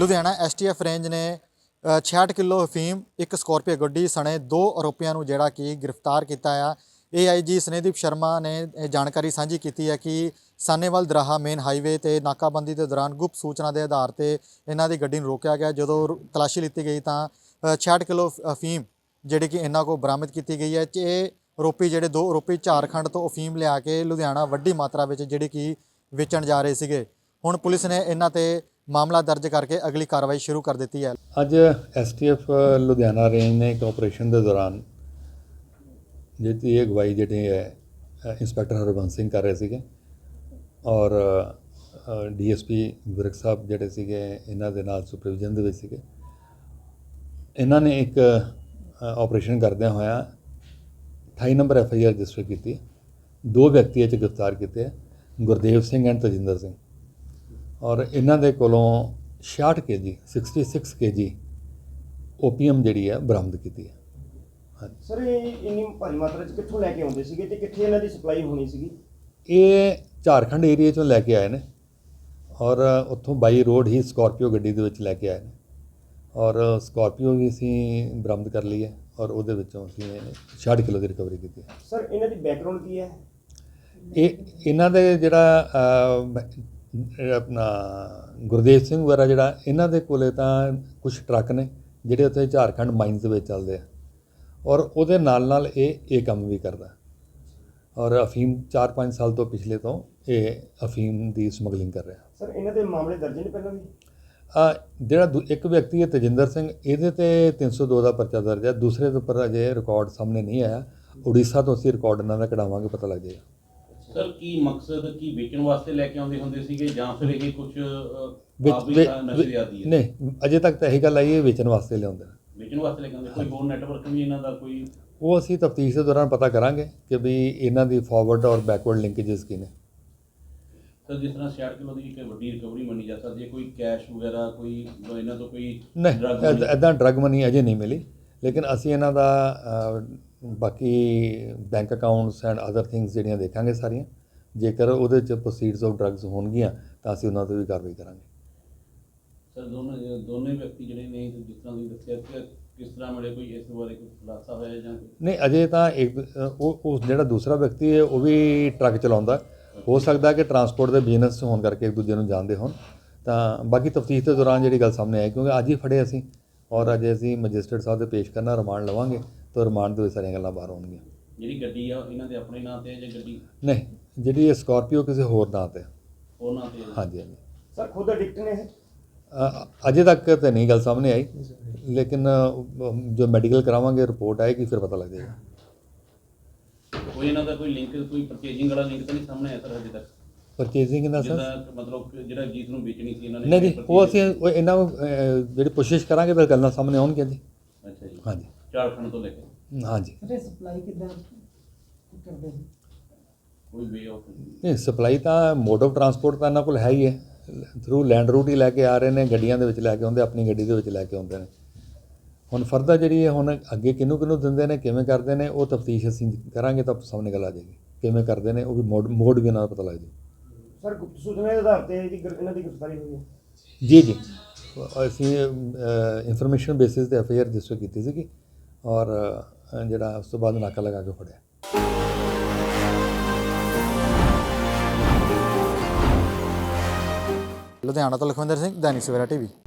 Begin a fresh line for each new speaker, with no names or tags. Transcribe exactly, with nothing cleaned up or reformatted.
Ludhiana S T F range ਨੇ ਛਿਆਹਠ kilo ਅਫੀਮ ਇੱਕ ਸਕੋਰਪੀਓ ਗੱਡੀ ਸਣੇ ਦੋ ਆਰੋਪੀਆਂ ਨੂੰ ਜਿਹੜਾ ਕਿ ਗ੍ਰਿਫਤਾਰ ਕੀਤਾ ਆ। ਏ ਆਈ ਜੀ ਸਨੇਹਦੀਪ ਸ਼ਰਮਾ ਨੇ ਇਹ ਜਾਣਕਾਰੀ ਸਾਂਝੀ ਕੀਤੀ ਹੈ ਕਿ ਸਾਨੇਵਾਲ ਦਰਾਹਾ ਮੇਨ ਹਾਈਵੇ ਤੇ ਨਾਕਾਬੰਦੀ ਦੇ ਦੌਰਾਨ ਗੁਪਤ ਸੂਚਨਾ ਦੇ ਆਧਾਰ ਤੇ ਇਹਨਾਂ ਦੀ ਗੱਡੀ ਨੂੰ ਰੋਕਿਆ ਗਿਆ। ਜਦੋਂ ਤਲਾਸ਼ੀ ਲਿੱਤੀ ਗਈ ਤਾਂ ਛਿਆਹਠ ਕਿਲੋ ਅਫੀਮ ਜਿਹੜੀ ਕਿ ਇਹਨਾਂ ਕੋਲ ਬਰਾਮਦ ਕੀਤੀ ਗਈ ਹੈ। ਇਹ ਆਰੋਪੀ ਜਿਹੜੇ ਦੋ ਆਰੋਪੀ ਝਾਰਖੰਡ ਤੋਂ ਅਫੀਮ ਲਿਆ ਕੇ ਲੁਧਿਆਣਾ ਵੱਡੀ ਮਾਤਰਾ ਵਿੱਚ ਜਿਹੜੀ ਕਿ ਵੇਚਣ ਜਾ ਰਹੇ ਸੀਗੇ। ਹੁਣ ਪੁਲਿਸ ਨੇ ਇਹਨਾਂ ਤੇ ਮਾਮਲਾ ਦਰਜ ਕਰਕੇ ਅਗਲੀ ਕਾਰਵਾਈ ਸ਼ੁਰੂ ਕਰ ਦਿੱਤੀ ਹੈ।
ਅੱਜ S T F Ludhiana range ਨੇ ਇੱਕ ਆਪਰੇਸ਼ਨ ਦੇ ਦੌਰਾਨ ਜਿਹਦੀ ਅਗਵਾਈ ਜਿਹੜੇ ਹੈ ਇੰਸਪੈਕਟਰ ਹਰਬੰਸ ਸਿੰਘ ਕਰ ਰਹੇ ਸੀਗੇ ਔਰ D S P Virk sahib ਜਿਹੜੇ ਸੀਗੇ ਇਹਨਾਂ ਦੇ ਨਾਲ ਸੁਪਰਵਿਜ਼ਨ ਦੇ ਵਿੱਚ ਸੀਗੇ। ਇਹਨਾਂ ਨੇ ਇੱਕ ਆਪਰੇਸ਼ਨ ਕਰਦਿਆਂ ਹੋਇਆ ਅਠਾਈ number F I R register ਕੀਤੀ। ਦੋ ਵਿਅਕਤੀ ਇਹ 'ਚ ਗ੍ਰਿਫਤਾਰ ਕੀਤੇ ਹੈ, ਗੁਰਦੇਵ ਸਿੰਘ ਐਂਡ ਤਜਿੰਦਰ ਸਿੰਘ, ਔਰ ਇਹਨਾਂ ਦੇ ਕੋਲੋਂ ਛਿਆਹਠ ਕੇ ਜੀ ਸਿਕਸਟੀ ਸਿਕਸ ਕੇ ਜੀ ਓਪੀਐਮ ਜਿਹੜੀ ਹੈ ਬਰਾਮਦ ਕੀਤੀ ਹੈ। ਹਾਂਜੀ
ਸਰ, ਇਹ ਇੰਨੀ ਭਾਰੀ ਮਾਤਰਾ 'ਚ ਕਿੱਥੋਂ ਲੈ ਕੇ ਆਉਂਦੇ ਸੀਗੇ ਤੇ ਕਿੱਥੇ ਇਹਨਾਂ ਦੀ ਸਪਲਾਈ ਹੋਣੀ ਸੀਗੀ?
ਇਹ ਝਾਰਖੰਡ ਏਰੀਏ 'ਚੋਂ ਲੈ ਕੇ ਆਏ ਨੇ ਔਰ ਉੱਥੋਂ ਬਾਈ ਰੋਡ ਹੀ ਸਕਾਰਪੀਓ ਗੱਡੀ ਦੇ ਵਿੱਚ ਲੈ ਕੇ ਆਏ ਨੇ ਔਰ ਸਕਾਰਪੀਓ ਵੀ ਅਸੀਂ ਬਰਾਮਦ ਕਰ ਲਈ ਹੈ ਔਰ ਉਹਦੇ ਵਿੱਚੋਂ ਅਸੀਂ ਛਿਆਹਠ ਕਿਲੋ ਦੀ ਰਿਕਵਰੀ ਕੀਤੀ ਹੈ।
ਸਰ, ਇਹਨਾਂ ਦੀ ਬੈਕਗ੍ਰਾਉਂਡ ਕੀ ਹੈ?
ਇਹ ਇਹਨਾਂ ਦੇ ਜਿਹੜਾ ਆਪਣਾ ਗੁਰਦੇਵ ਸਿੰਘ ਵਗੈਰਾ ਜਿਹੜਾ ਇਹਨਾਂ ਦੇ ਕੋਲੇ ਤਾਂ ਕੁਝ ਟਰੱਕ ਨੇ ਜਿਹੜੇ ਉੱਥੇ ਝਾਰਖੰਡ ਮਾਈਨਸ ਦੇ ਵਿੱਚ ਚੱਲਦੇ ਆ ਔਰ ਉਹਦੇ ਨਾਲ ਨਾਲ ਇਹ ਇਹ ਕੰਮ ਵੀ ਕਰਦਾ ਔਰ ਅਫੀਮ ਚਾਰ ਪੰਜ ਸਾਲ ਤੋਂ ਪਿਛਲੇ ਤੋਂ ਇਹ ਅਫੀਮ ਦੀ ਸਮਗਲਿੰਗ ਕਰ ਰਿਹਾ।
ਸਰ, ਇਹਨਾਂ ਦੇ ਮਾਮਲੇ ਦਰਜ ਨੇ ਪਹਿਲਾਂ ਵੀ?
ਜਿਹੜਾ ਦੂ ਇੱਕ ਵਿਅਕਤੀ ਹੈ ਤਜਿੰਦਰ ਸਿੰਘ, ਇਹਦੇ ਤੇ ਤਿੰਨ ਸੌ ਦੋ ਦਾ ਪਰਚਾ ਦਰਜ ਹੈ। ਦੂਸਰੇ ਦੇ ਉੱਪਰ ਅਜੇ ਰਿਕਾਰਡ ਸਾਹਮਣੇ ਨਹੀਂ ਆਇਆ। ਉੜੀਸਾ ਤੋਂ ਅਸੀਂ ਰਿਕਾਰਡ ਇਹਨਾਂ ਦਾ ਕਢਾਵਾਂਗੇ, ਪਤਾ ਲੱਗ ਜਾਏਗਾ।
ਸਰ, ਕੀ ਮਕਸਦ ਕੀ ਵੇਚਣ ਵਾਸਤੇ ਲੈ ਕੇ ਆਉਂਦੇ ਹੁੰਦੇ ਸੀਗੇ ਜਾਂ ਫਿਰ ਇਹ ਕੁਝ
ਨਹੀਂ, ਅਜੇ ਤੱਕ ਤਾਂ ਇਹੀ ਗੱਲ ਆਈ ਹੈ ਵੇਚਣ ਵਾਸਤੇ ਲਿਆਉਂਦੇ
ਵੇਚਣ ਵਾਸਤੇ ਲੈ ਕੇ ਆਉਂਦੇ। ਕੋਈ ਹੋਰ ਨੈਟਵਰਕ ਵੀ ਇਹਨਾਂ ਦਾ ਕੋਈ?
ਉਹ ਅਸੀਂ ਤਫਤੀਸ਼ ਦੇ ਦੌਰਾਨ ਪਤਾ ਕਰਾਂਗੇ ਕਿ ਵੀ ਇਹਨਾਂ ਦੀ ਫਾਰਵਰਡ ਔਰ ਬੈਕਵਰਡ ਲਿੰਕੇजेस ਕੀ ਨੇ।
ਸਰ, ਜਿਸ ਤਰ੍ਹਾਂ ਛਿਆਹਠ ਕਿਲੋ ਦੀ ਇੱਕ ਵੱਡੀ ਰਿਕਵਰੀ ਮੰਨੀ ਜਾ ਸਕਦੀ ਹੈ, ਕੋਈ ਕੈਸ਼ ਵਗੈਰਾ ਕੋਈ ਇਹਨਾਂ ਤੋਂ ਕੋਈ
ਨਹੀਂ, ਇੱਦਾਂ ਡਰੱਗ ਮਨੀ ਅਜੇ ਨਹੀਂ ਮਿਲੀ, ਲੇਕਿਨ ਅਸੀਂ ਇਹਨਾਂ ਦਾ ਬਾਕੀ bank accounts and other things ਜਿਹੜੀਆਂ ਦੇਖਾਂਗੇ ਸਾਰੀਆਂ। ਜੇਕਰ ਉਹਦੇ 'ਚ ਪ੍ਰੋਸੀਡਸ ਆਫ ਡਰੱਗਸ ਹੋਣਗੀਆਂ ਤਾਂ ਅਸੀਂ ਉਹਨਾਂ 'ਤੇ ਵੀ ਕਾਰਵਾਈ ਕਰਾਂਗੇ।
ਸਰ, ਦੋਨੋਂ ਦੋਨੇ ਵਿਅਕਤੀ ਜਿਹੜੇ ਨੇ ਜਿਸ ਤਰ੍ਹਾਂ ਤੁਸੀਂ ਦੱਸਿਆ ਕਿ ਕਿਸ ਤਰ੍ਹਾਂ ਮਿਲੇ, ਕੋਈ ਇਸ ਬਾਰੇ ਕੋਈ ਖੁਲਾਸਾ ਹੋਇਆ ਜਾਂ?
ਨਹੀਂ, ਅਜੇ ਤਾਂ ਇੱਕ ਉਹ ਉਹ ਜਿਹੜਾ ਦੂਸਰਾ ਵਿਅਕਤੀ ਹੈ ਉਹ ਵੀ ਟਰੱਕ ਚਲਾਉਂਦਾ। ਹੋ ਸਕਦਾ ਕਿ ਟਰਾਂਸਪੋਰਟ ਦੇ ਬਿਜ਼ਨਸ ਹੋਣ ਕਰਕੇ ਇੱਕ ਦੂਜੇ ਨੂੰ ਜਾਣਦੇ ਹੋਣ। ਤਾਂ ਬਾਕੀ ਤਫਤੀਸ਼ ਦੇ ਦੌਰਾਨ ਜਿਹੜੀ ਗੱਲ ਸਾਹਮਣੇ ਆਈ, ਕਿਉਂਕਿ ਅੱਜ ਹੀ ਫੜੇ ਅਸੀਂ ਔਰ ਅੱਜ ਅਸੀਂ ਮੈਜਿਸਟਰੇਟ ਸਾਹਿਬ ਦੇ ਪੇਸ਼ ਕਰਨਾ, ਰਿਮਾਂਡ ਲਵਾਂਗੇ ਤਾਂ ਰਿਮਾਂਡ ਦੇ ਵਿੱਚ ਸਾਰੀਆਂ ਗੱਲਾਂ ਬਾਹਰ ਆਉਣਗੀਆਂ।
ਜਿਹੜੀ ਗੱਡੀ ਆ ਇਹਨਾਂ ਦੇ ਆਪਣੇ ਨਾਂ 'ਤੇ ਜਾਂ ਗੱਡੀ?
ਨਹੀਂ, ਜਿਹੜੀ ਇਹ ਸਕਾਰਪੀਓ ਕਿਸੇ ਹੋਰ ਨਾਂ 'ਤੇ।
ਹੋਰ ਨਾਂ 'ਤੇ?
ਹਾਂਜੀ ਹਾਂਜੀ।
ਸਰ, ਖੁਦ ਐਡਿਕਟ ਨੇ ਇਹ?
ਅਜੇ ਤੱਕ ਤਾਂ ਨਹੀਂ ਗੱਲ ਸਾਹਮਣੇ ਆਈ, ਲੇਕਿਨ ਜੋ ਮੈਡੀਕਲ ਕਰਾਵਾਂਗੇ ਰਿਪੋਰਟ ਆਏਗੀ ਫਿਰ ਪਤਾ ਲੱਗ ਜਾਏਗਾ।
ਕੋਈ ਇਹਨਾਂ ਦਾ ਕੋਈ ਲਿੰਕ, ਕੋਈ ਪਰਚੇਜਿੰਗ ਵਾਲਾ ਲਿੰਕ ਤਾਂ ਨਹੀਂ ਸਾਹਮਣੇ ਆਇਆ ਸਰ ਹਜੇ ਤੱਕ?
ਪਰਚੇਜ਼ਿੰਗ ਦਾ ਸਰ
ਮਤਲਬ ਜਿਹੜਾ ਜੀਤ ਨੂੰ ਵੇਚਣੀ ਸੀ ਇਹਨਾਂ ਨੇ?
ਨਹੀਂ ਜੀ, ਉਹ ਅਸੀਂ ਉਹ ਇਹਨਾਂ ਨੂੰ ਜਿਹੜੀ ਕੋਸ਼ਿਸ਼ ਕਰਾਂਗੇ ਤਾਂ ਗੱਲਾਂ ਸਾਹਮਣੇ ਆਉਣਗੀਆਂ ਜੀ।
ਅੱਛਾ ਜੀ।
ਹਾਂਜੀ,
ਝਾਰਖੰਡ ਤੋਂ ਲੈ ਕੇ?
ਹਾਂਜੀ।
ਸਪਲਾਈ ਕਿੱਦਾਂ ਕਰਦੇ?
ਕੋਈ ਵੇ ਆਫ?
ਨਹੀਂ, ਸਪਲਾਈ ਤਾਂ ਮੋਡ ਆਫ ਟਰਾਂਸਪੋਰਟ ਤਾਂ ਇਹਨਾਂ ਕੋਲ ਹੈ ਹੀ ਹੈ। ਥਰੂ ਲੈਂਡ ਰੂਟ ਹੀ ਲੈ ਕੇ ਆ ਰਹੇ ਨੇ, ਗੱਡੀਆਂ ਦੇ ਵਿੱਚ ਲੈ ਕੇ ਆਉਂਦੇ, ਆਪਣੀ ਗੱਡੀ ਦੇ ਵਿੱਚ ਲੈ ਕੇ ਆਉਂਦੇ ਨੇ। ਹੁਣ ਫਰਦਰ ਜਿਹੜੀ ਹੈ ਹੁਣ ਅੱਗੇ ਕਿਹਨੂੰ ਕਿਹਨੂੰ ਦਿੰਦੇ ਨੇ, ਕਿਵੇਂ ਕਰਦੇ ਨੇ, ਉਹ ਤਫਤੀਸ਼ ਅਸੀਂ ਕਰਾਂਗੇ ਤਾਂ ਸਾਹਮਣੇ ਗੱਲ ਆ ਜਾਏਗੀ। ਕਿਵੇਂ ਕਰਦੇ ਨੇ ਉਹ ਵੀ ਮੋਡ ਮੋਡ ਵੀ ਇਹਨਾਂ ਦਾ ਪਤਾ ਲੱਗ ਜਾਏ।
ਸਰ, ਗੁਪਤ ਸੂਚਨਾ ਦੇ ਆਧਾਰ ਤੇ ਇਹਦੀ ਇਹਨਾਂ ਦੀ ਗ੍ਰਿਫਤਾਰੀ ਹੋਈ ਹੈ?
ਜੀ ਜੀ, ਅਸੀਂ ਇਨਫੋਰਮੇਸ਼ਨ ਬੇਸਿਸ 'ਤੇ ਐਫ ਆਈ ਆਰ ਰਜਿਸਟਰ ਕੀਤੀ ਸੀਗੀ ਔਰ ਜਿਹੜਾ ਉਸ ਤੋਂ ਬਾਅਦ ਨਾਕਾ ਲਗਾ ਕੇ ਫੜਿਆ।
ਲੁਧਿਆਣਾ ਤੋਂ ਲਖਵਿੰਦਰ ਸਿੰਘ, ਦੈਨਿਕ ਸਵੇਰਾ ਟੀਵੀ।